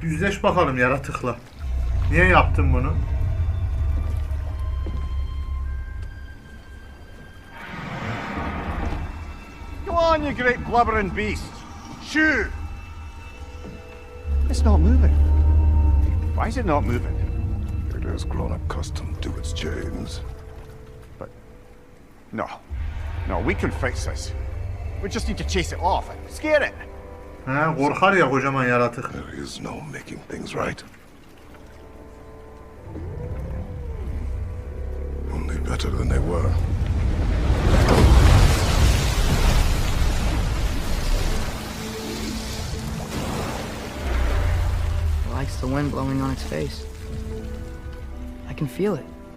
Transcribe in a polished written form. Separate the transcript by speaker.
Speaker 1: Yüzleş bakalım yaratıkla. Niye yaptın bunu?
Speaker 2: Go on, you great blubbering beast. Shoo! It's not moving. Why is it not moving?
Speaker 3: It has grown accustomed to its chains.
Speaker 2: But... No. No, we can fix this. We just need to chase it off and scare it.
Speaker 1: He, korkar ya kocaman yaratık.
Speaker 3: There is no making things right. Only better than they were.
Speaker 4: It likes the wind blowing on its face. I can feel it.